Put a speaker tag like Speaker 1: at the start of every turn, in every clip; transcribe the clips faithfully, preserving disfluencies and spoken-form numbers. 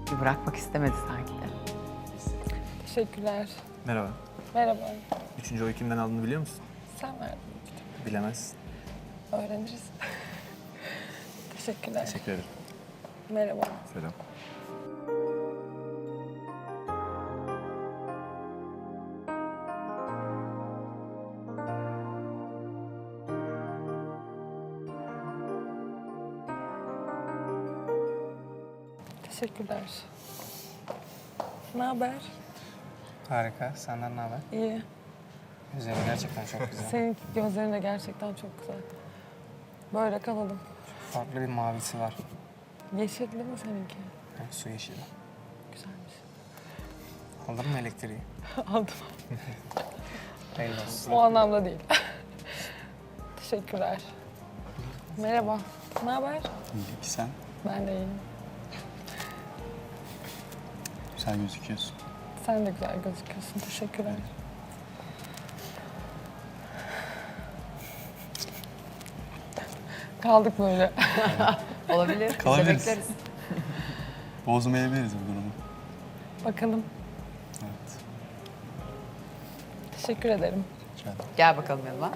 Speaker 1: Bir bırakmak istemedi sanki de.
Speaker 2: Teşekkürler.
Speaker 3: Merhaba.
Speaker 2: Merhaba.
Speaker 3: Üçüncü oyu kimden aldığını biliyor musun?
Speaker 2: Sen verdin.
Speaker 3: Bilemezsin.
Speaker 2: Öğreniriz. Teşekkürler.
Speaker 3: Teşekkür ederim.
Speaker 2: Merhaba.
Speaker 3: Selam.
Speaker 2: Teşekkürler. Ne haber?
Speaker 4: Harika. Senden ne haber?
Speaker 2: İyi.
Speaker 4: Güzel, gerçekten çok güzel.
Speaker 2: Senin gözlerin de gerçekten çok güzel. Böyle kalalım.
Speaker 4: Farklı bir mavisi var.
Speaker 2: Yeşilli mi seninki?
Speaker 4: Yani su yeşili.
Speaker 2: Güzelmiş.
Speaker 4: Aldın mı elektriği?
Speaker 2: Aldım.
Speaker 4: Hayırlı olsun.
Speaker 2: O anlamda değil. Teşekkürler. Merhaba. Ne haber?
Speaker 5: İyilik sen.
Speaker 2: Ben de iyiyim.
Speaker 5: Güzel gözüküyorsun.
Speaker 2: Sen de güzel gözüküyorsun. Teşekkürler. Kaldık böyle.
Speaker 1: Olabilir. Biz de
Speaker 5: Kalabiliriz.
Speaker 1: bekleriz.
Speaker 5: Bozmayabiliriz bu durumu.
Speaker 2: Bakalım.
Speaker 5: Evet.
Speaker 2: Teşekkür ederim.
Speaker 5: Rica ederim.
Speaker 1: Gel bakalım yanıma.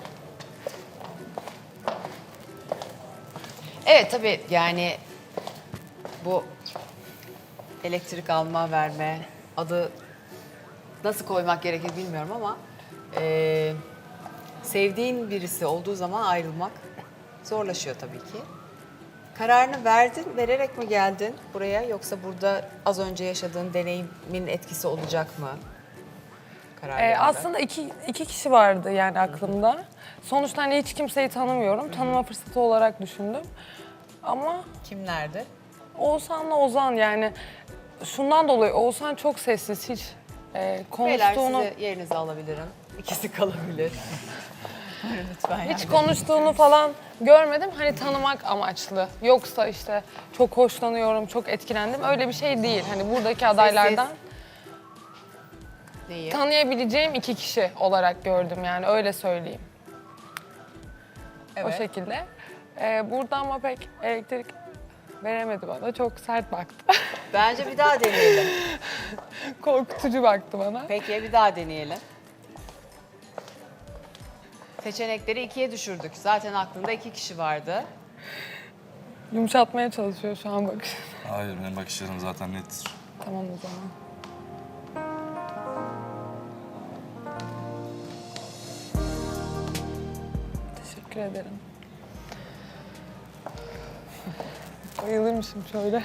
Speaker 1: Evet tabii yani bu elektrik alma verme adı nasıl koymak gerekir bilmiyorum ama e, sevdiğin birisi olduğu zaman ayrılmak zorlaşıyor tabii ki. Kararını verdin, vererek mi geldin buraya yoksa burada az önce yaşadığın deneyimin etkisi olacak mı? Karar
Speaker 2: Ee,
Speaker 1: vermede?
Speaker 2: aslında iki, iki kişi vardı yani aklımda. Sonuçta hani hiç kimseyi tanımıyorum. Tanıma fırsatı olarak düşündüm. Ama
Speaker 1: Kimlerdi?
Speaker 2: Oğuzhan'la Ozan yani şundan dolayı Oğuzhan çok sessiz. Hiç e,
Speaker 1: Beyler
Speaker 2: konuştuğunu...
Speaker 1: sizi yerinize alabilirim. İkisi kalabilir. Buyurun lütfen.
Speaker 2: Hiç
Speaker 1: yardım.
Speaker 2: konuştuğunu falan görmedim. Hani tanımak amaçlı. Yoksa işte çok hoşlanıyorum, çok etkilendim. Öyle bir şey değil. Hani buradaki adaylardan
Speaker 1: Neyi?
Speaker 2: tanıyabileceğim iki kişi olarak gördüm yani öyle söyleyeyim.
Speaker 1: Evet.
Speaker 2: O şekilde. Ee, burada ama pek elektrik veremedi bana. Çok sert baktı.
Speaker 1: Bence bir daha deneyelim.
Speaker 2: Korkutucu baktı bana.
Speaker 1: Peki bir daha deneyelim. Seçenekleri ikiye düşürdük. Zaten aklında iki kişi vardı.
Speaker 2: Yumuşatmaya çalışıyor şu an bakış.
Speaker 5: Hayır, benim bakışlarım zaten nettir.
Speaker 2: Tamam o zaman. Teşekkür ederim. Bayılırmışım şöyle.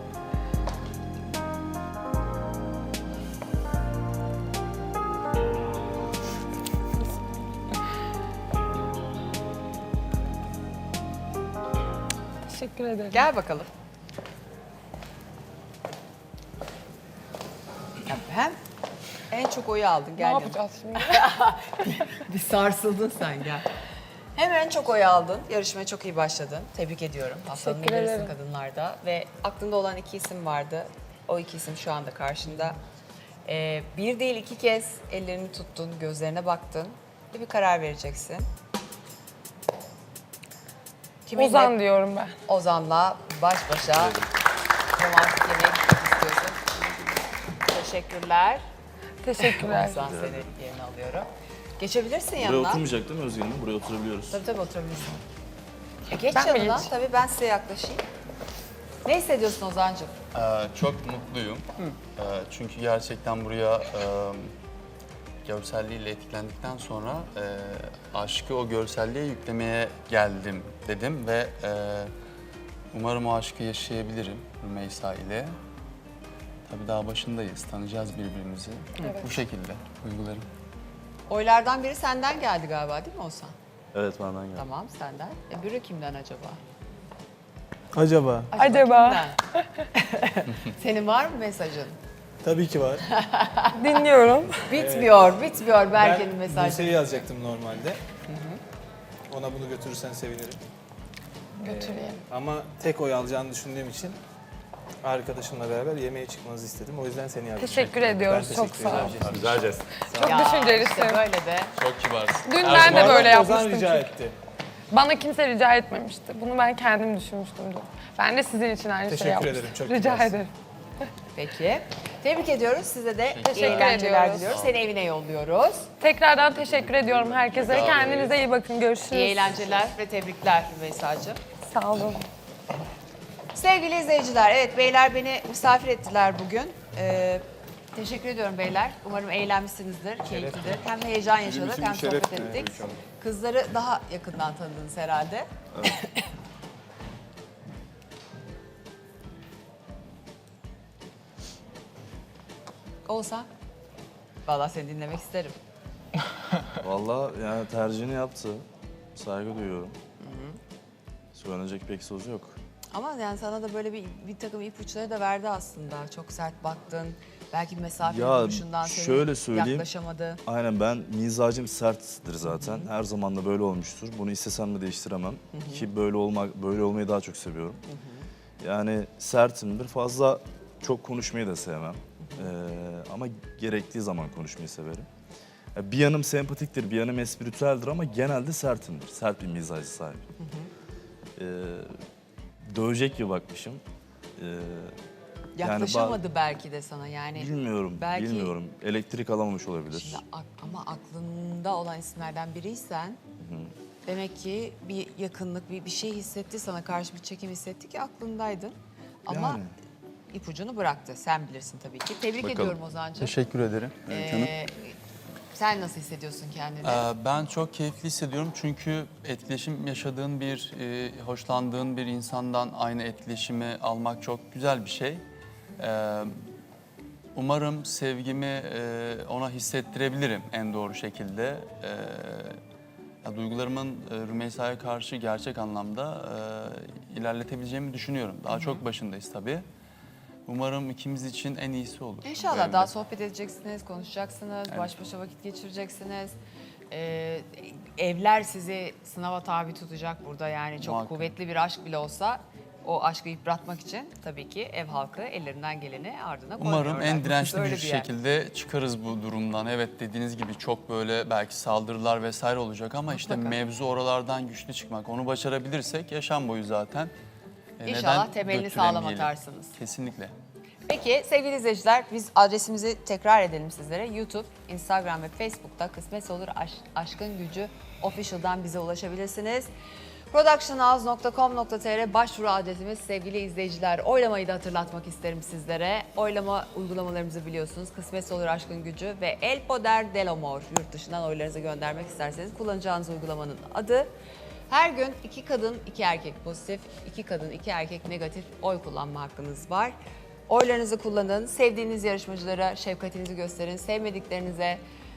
Speaker 2: Teşekkür ederim.
Speaker 1: Gel bakalım. Ya hem en çok oyu aldın.
Speaker 2: Ne
Speaker 1: Gel yanıma.
Speaker 2: yapacağız şimdi?
Speaker 1: Bir sarsıldın sen gel. Hem en çok oy aldın. Yarışmaya çok iyi başladın. Tebrik ediyorum. Haftanın
Speaker 2: Teşekkür
Speaker 1: liderisi
Speaker 2: ederim.
Speaker 1: kadınlarda. Ve aklında olan iki isim vardı. O iki isim şu anda karşında. Ee, bir değil iki kez ellerini tuttun, gözlerine baktın. Ve bir karar vereceksin. Kiminle?
Speaker 2: Ozan diyorum ben.
Speaker 1: Ozan'la baş başa romantik yemeğe gitmek istiyorsun. Teşekkürler.
Speaker 2: Teşekkürler.
Speaker 1: Ozan seni yerine alıyorum. Geçebilirsin
Speaker 6: Buraya
Speaker 1: yanına.
Speaker 6: oturmayacak değil mi Özgür Hanım? Buraya oturabiliyoruz.
Speaker 1: Tabii tabii oturabilirsin. E geç
Speaker 2: Ben mi
Speaker 1: yanına.
Speaker 2: geç?
Speaker 1: Tabii ben size yaklaşayım. Ne hissediyorsun Ozan'cığım?
Speaker 5: Ee, çok mutluyum. Ee, çünkü gerçekten buraya e, görselliğiyle etkilendikten sonra e, aşkı o görselliğe yüklemeye geldim dedim ve e, umarım o aşkı yaşayabilirim Rümeysa ile. Tabii daha başındayız, tanıyacağız birbirimizi. Bu şekilde uygularım.
Speaker 1: Oylardan biri senden geldi galiba değil mi Ozan?
Speaker 6: Evet benden geldi.
Speaker 1: Tamam senden. E biri kimden acaba?
Speaker 3: Acaba?
Speaker 2: Acaba?
Speaker 1: kimden? Senin var mı mesajın?
Speaker 3: Tabii ki var.
Speaker 2: Dinliyorum.
Speaker 1: Bitmiyor, bitmiyor Berke'nin
Speaker 3: Ben
Speaker 1: mesajı.
Speaker 3: Buse'yi yazacaktım normalde. Ona bunu götürürsen sevinirim.
Speaker 2: Götüreyim.
Speaker 3: Ama tek oy alacağını düşündüğüm için arkadaşımla beraber yemeğe çıkmanızı istedim. O yüzden seni yazdım.
Speaker 2: Teşekkür ediyoruz.
Speaker 3: Ben
Speaker 2: Çok
Speaker 3: teşekkür
Speaker 2: sağ ol.
Speaker 3: ederim.
Speaker 6: Güzel jest.
Speaker 2: Çok
Speaker 1: Ya,
Speaker 2: düşüncelisin.
Speaker 1: işte böyle de.
Speaker 5: Çok kibarsın.
Speaker 2: Dün ben de
Speaker 3: Ozan-
Speaker 2: böyle
Speaker 3: Ozan
Speaker 2: yapmıştım
Speaker 3: rica
Speaker 2: çünkü.
Speaker 3: etti.
Speaker 2: Bana kimse rica etmemişti. Bunu ben kendim düşünmüştüm dün. Ben de sizin için aynı şeyi
Speaker 3: Teşekkür
Speaker 2: yapmıştım.
Speaker 3: ederim, çok
Speaker 2: Rica
Speaker 3: kibarsın.
Speaker 2: ederim.
Speaker 1: Peki. Tebrik ediyoruz. Size de iyi
Speaker 2: Teşekkür
Speaker 1: eğlenceler
Speaker 2: ediyoruz.
Speaker 1: diliyoruz. Seni evine yolluyoruz.
Speaker 2: Tekrardan teşekkür ediyorum herkese. Kendinize iyi bakın. Görüşürüz.
Speaker 1: İyi eğlenceler ve tebrikler Rümeysa'cığım.
Speaker 2: Sağ olun.
Speaker 1: Sevgili izleyiciler, evet beyler beni misafir ettiler bugün. Ee, teşekkür ediyorum beyler. Umarım eğlenmişsinizdir, keyiflidir. Hem heyecan yaşadık hem sohbet ettik. Kızları daha yakından tanıdınız herhalde. Oğuzhan, vallahi seni dinlemek isterim.
Speaker 6: Vallahi yani tercihini yaptı. Saygı duyuyorum. Söylenecek pek söz yok.
Speaker 1: Ama yani sana da böyle bir, bir takım ipuçları da verdi aslında. Çok sert baktın. Belki mesafe
Speaker 6: Ya,
Speaker 1: duruşundan seni
Speaker 6: şöyle söyleyeyim.
Speaker 1: yaklaşamadı.
Speaker 6: Aynen ben mizacım serttir zaten. Her zaman da böyle olmuştur. Bunu istesem de değiştiremem. Ki böyle olmak böyle olmayı daha çok seviyorum. Yani sertimdir. Fazla çok konuşmayı da sevmem. Ee, ama gerektiği zaman konuşmayı severim. Ya bir yanım sempatiktir, bir yanım espritüeldir ama genelde sertimdir. Sert bir mizacı sahip. Ee, dövecek gibi bakmışım. Ee,
Speaker 1: Yaklaşamadı belki de sana yani.
Speaker 6: Bilmiyorum,
Speaker 1: Belki-
Speaker 6: bilmiyorum. Elektrik alamamış olabilir.
Speaker 1: Şimdi ak- ama aklında olan isimlerden biriysen demek ki bir yakınlık, bir, bir şey hissetti sana karşı bir çekim hissetti ki aklındaydın. Ama
Speaker 6: Yani.
Speaker 1: ipucunu bıraktı. Sen bilirsin tabii ki. Tebrik
Speaker 6: Bakalım.
Speaker 1: ediyorum Ozan'cığım.
Speaker 5: Teşekkür ederim. Öykü Hanım.
Speaker 1: Ee, sen nasıl hissediyorsun kendini?
Speaker 5: Ee, Ben çok keyifli hissediyorum çünkü etkileşim yaşadığın bir, e, hoşlandığın bir insandan aynı etkileşimi almak çok güzel bir şey. Ee, Umarım sevgimi e, ona hissettirebilirim en doğru şekilde. Ee, ya duygularımın e, Rümeysa'ya karşı gerçek anlamda e, ilerletebileceğimi düşünüyorum. Daha çok başındayız tabii. Umarım ikimiz için en iyisi olur. bu
Speaker 1: İnşallah
Speaker 5: evde.
Speaker 1: daha sohbet edeceksiniz, konuşacaksınız, baş başa vakit geçireceksiniz. Ee, evler sizi sınava tabi tutacak burada yani çok
Speaker 5: Muhakkak.
Speaker 1: kuvvetli bir aşk bile olsa o aşkı yıpratmak için tabii ki ev halkı ellerinden geleni ardına koymuyorlar.
Speaker 5: Umarım en
Speaker 1: Burası
Speaker 5: dirençli
Speaker 1: öyle
Speaker 5: bir
Speaker 1: yer.
Speaker 5: şekilde çıkarız bu durumdan. Evet dediğiniz gibi çok böyle belki saldırılar vesaire olacak ama işte
Speaker 1: Mutlaka.
Speaker 5: mevzu oralardan güçlü çıkmak. Onu başarabilirsek yaşam boyu zaten. e,
Speaker 1: İnşallah
Speaker 5: neden
Speaker 1: temelini sağlam
Speaker 5: götüremeyelim?
Speaker 1: atarsınız.
Speaker 5: Kesinlikle.
Speaker 1: Peki sevgili izleyiciler biz adresimizi tekrar edelim sizlere. YouTube, Instagram ve Facebook'ta Kısmetse Olur Aş- Aşkın Gücü Official'dan bize ulaşabilirsiniz. productionhouse nokta com nokta tr başvuru adresimiz sevgili izleyiciler. Oylamayı da hatırlatmak isterim sizlere. Oylama uygulamalarımızı biliyorsunuz. Kısmetse Olur Aşkın Gücü ve El Poder del Amor. Yurt dışından oylarınızı göndermek isterseniz kullanacağınız uygulamanın adı. Her gün iki kadın, iki erkek pozitif, iki kadın, iki erkek negatif oy kullanma hakkınız var. Oylarınızı kullanın, sevdiğiniz yarışmacılara şefkatinizi gösterin, sevmediklerinize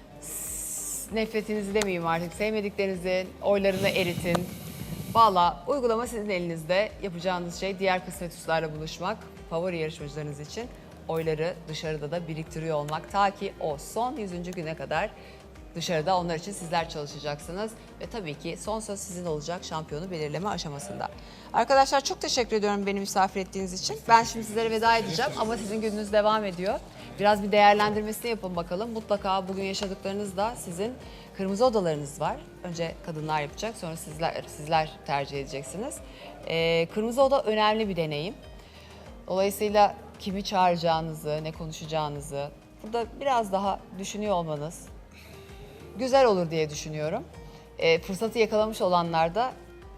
Speaker 1: s- nefretinizi demeyeyim artık, sevmediklerinizin oylarını eritin. Valla uygulama sizin elinizde. Yapacağınız şey diğer kısmetüslerle buluşmak, favori yarışmacılarınız için oyları dışarıda da biriktiriyor olmak. Ta ki o son yüzüncü güne kadar dışarıda onlar için sizler çalışacaksınız. Ve tabii ki son söz sizin olacak şampiyonu belirleme aşamasında. Arkadaşlar çok teşekkür ediyorum beni misafir ettiğiniz için. Ben şimdi sizlere veda edeceğim ama sizin gününüz devam ediyor. Biraz bir değerlendirmesini yapın bakalım. Mutlaka bugün yaşadıklarınız da sizin kırmızı odalarınız var. Önce kadınlar yapacak, sonra sizler sizler tercih edeceksiniz. Ee, kırmızı oda önemli bir deneyim. Dolayısıyla kimi çağıracağınızı, ne konuşacağınızı burada biraz daha düşünüyor olmanız güzel olur diye düşünüyorum. Ee, fırsatı yakalamış olanlar da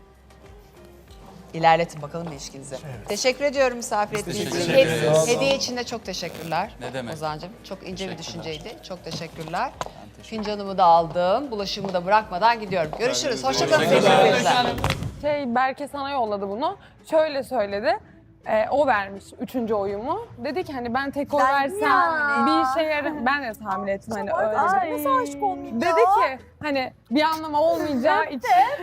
Speaker 1: ilerletin bakalım ilişkinizi. Teşekkür ediyorum misafir ettiğiniz için.
Speaker 5: teşekkür
Speaker 1: Hediye-
Speaker 5: ederiz.
Speaker 1: Hediye için de çok teşekkürler.
Speaker 5: Ne demek.
Speaker 1: Ozan'cığım çok ince bir
Speaker 5: Teşekkürler.
Speaker 1: düşünceydi. Çok teşekkürler. Fincanımı da aldım. Bulaşığımı da bırakmadan gidiyorum. Görüşürüz. Hoşçakalın sevgili izleyiciler.
Speaker 2: Şey Berke sana yolladı bunu. Şöyle söyledi. Ee, o vermiş üçüncü oyumu. Dedi ki hani ben tek oy versem bir işe yarar. Ben de tahmin ettim hani öyle.
Speaker 7: Nasıl aşık olmayayım
Speaker 2: Dedi ki hani bir anlamı olmayacağı için.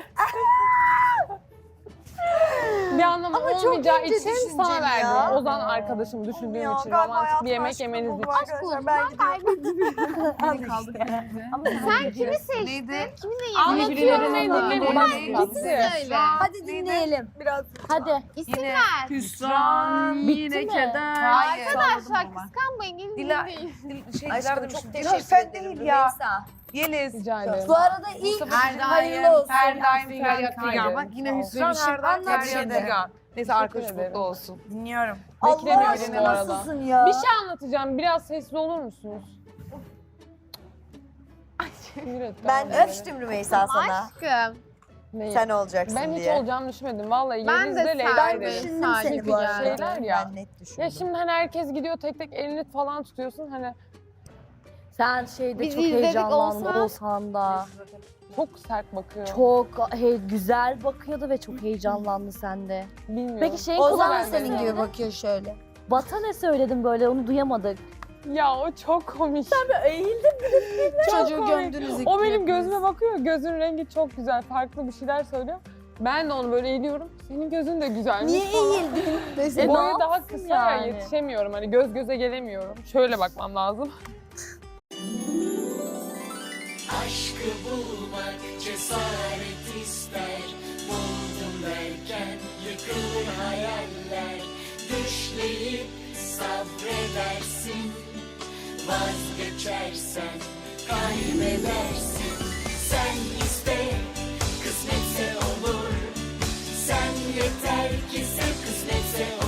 Speaker 2: bir anlamı
Speaker 7: Ama çok
Speaker 2: olmayacağı
Speaker 7: ince
Speaker 2: için
Speaker 7: düşünceli
Speaker 2: sana verdim.
Speaker 7: ya.
Speaker 2: Ozan arkadaşım düşündüğüm
Speaker 7: Ya,
Speaker 2: için
Speaker 7: galiba
Speaker 2: romantik bir
Speaker 7: hayatımda
Speaker 2: yemek
Speaker 7: aşık
Speaker 2: yemeniz
Speaker 7: oldum
Speaker 2: için.
Speaker 7: arkadaşlar. Ben gidiyorum.
Speaker 8: Sen kimi seçtin? Kiminle
Speaker 2: Anlatıyorum ne dinledim. Bak bitti.
Speaker 8: söyle.
Speaker 7: Hadi dinleyelim. Biraz
Speaker 8: Hadi. İsim ver.
Speaker 9: Hüsran, yine keder.
Speaker 8: Arkadaşlar kıskanmayın. Gelin
Speaker 9: Dila-
Speaker 8: dinleyin.
Speaker 7: Aşkım çok
Speaker 9: Ya
Speaker 7: teşekkür
Speaker 9: sen
Speaker 7: ederim
Speaker 9: değil ya.
Speaker 7: Rümeysa.
Speaker 9: Yeliz.
Speaker 2: Rica ederim.
Speaker 7: Bu arada ilk
Speaker 9: Her
Speaker 7: hayırlı
Speaker 9: daim,
Speaker 7: olsun.
Speaker 9: her daim feryat figan. Bak yine Hüsran her daim
Speaker 7: Anlat
Speaker 9: feryat
Speaker 7: şimdi.
Speaker 9: figan.
Speaker 1: Neyse arkadaş
Speaker 2: ederim.
Speaker 1: mutlu olsun.
Speaker 7: Dinliyorum.
Speaker 2: Beklemiyorum
Speaker 7: Allah aşkına
Speaker 2: bu arada.
Speaker 7: nasılsın ya?
Speaker 2: Bir şey anlatacağım. Biraz sessiz olur musunuz? Sinir etti
Speaker 7: Ben
Speaker 2: abi beni.
Speaker 7: öptüm Rümeysa sana.
Speaker 8: Aşkım.
Speaker 2: Neyi?
Speaker 7: Sen olacaksın
Speaker 2: Ben hiç
Speaker 7: diye.
Speaker 2: olacağını düşünmedim. Vallahi
Speaker 8: Ben
Speaker 2: Yeliz'le
Speaker 8: de
Speaker 2: Leyla'yı
Speaker 8: sen-
Speaker 2: derim.
Speaker 7: Düşündüm
Speaker 8: Sadece
Speaker 7: seni bu arada.
Speaker 2: şeyler ya.
Speaker 7: Ben net düşündüm.
Speaker 2: Ya şimdi hani herkes gidiyor tek tek elini falan tutuyorsun. Hani
Speaker 10: Sen şeyde
Speaker 8: Biz
Speaker 10: çok
Speaker 8: izledik
Speaker 10: heyecanlandın
Speaker 8: Oğuzhan.
Speaker 10: Oğuzhan'da.
Speaker 2: çok sert bakıyor.
Speaker 10: Çok he, güzel bakıyordu ve çok heyecanlandı sende.
Speaker 2: Bilmiyorum.
Speaker 10: Peki şeyin
Speaker 7: Ozan da
Speaker 10: kulağına
Speaker 7: senin
Speaker 10: ne
Speaker 7: gibi
Speaker 10: söyledin?
Speaker 7: bakıyor şöyle.
Speaker 10: Bata ne söyledin böyle onu duyamadık.
Speaker 2: Ya o çok komik.
Speaker 10: Eğildim.
Speaker 7: Çocuğu
Speaker 2: komik.
Speaker 7: gömdünüz
Speaker 2: O benim gözüme bakıyor. Gözün rengi çok güzel. Farklı bir şeyler söylüyor. Ben de onu böyle eğiliyorum. Senin gözün de güzelmiş
Speaker 7: Niye
Speaker 2: falan.
Speaker 7: eğildin?
Speaker 10: E,
Speaker 2: Boyu
Speaker 10: ne
Speaker 2: daha
Speaker 10: yapsın
Speaker 2: kısa ya
Speaker 10: yani?
Speaker 2: yetişemiyorum. Hani göz göze gelemiyorum. Şöyle bakmam lazım.
Speaker 11: Aşkı bulmak cesaret ister. Buldum derken yıkılır hayaller. Düşleyip sabredersin. Vazgeçersen kaybedersin. Sen iste, kısmetse olur. Sen yeter ki sen kısmetse olur.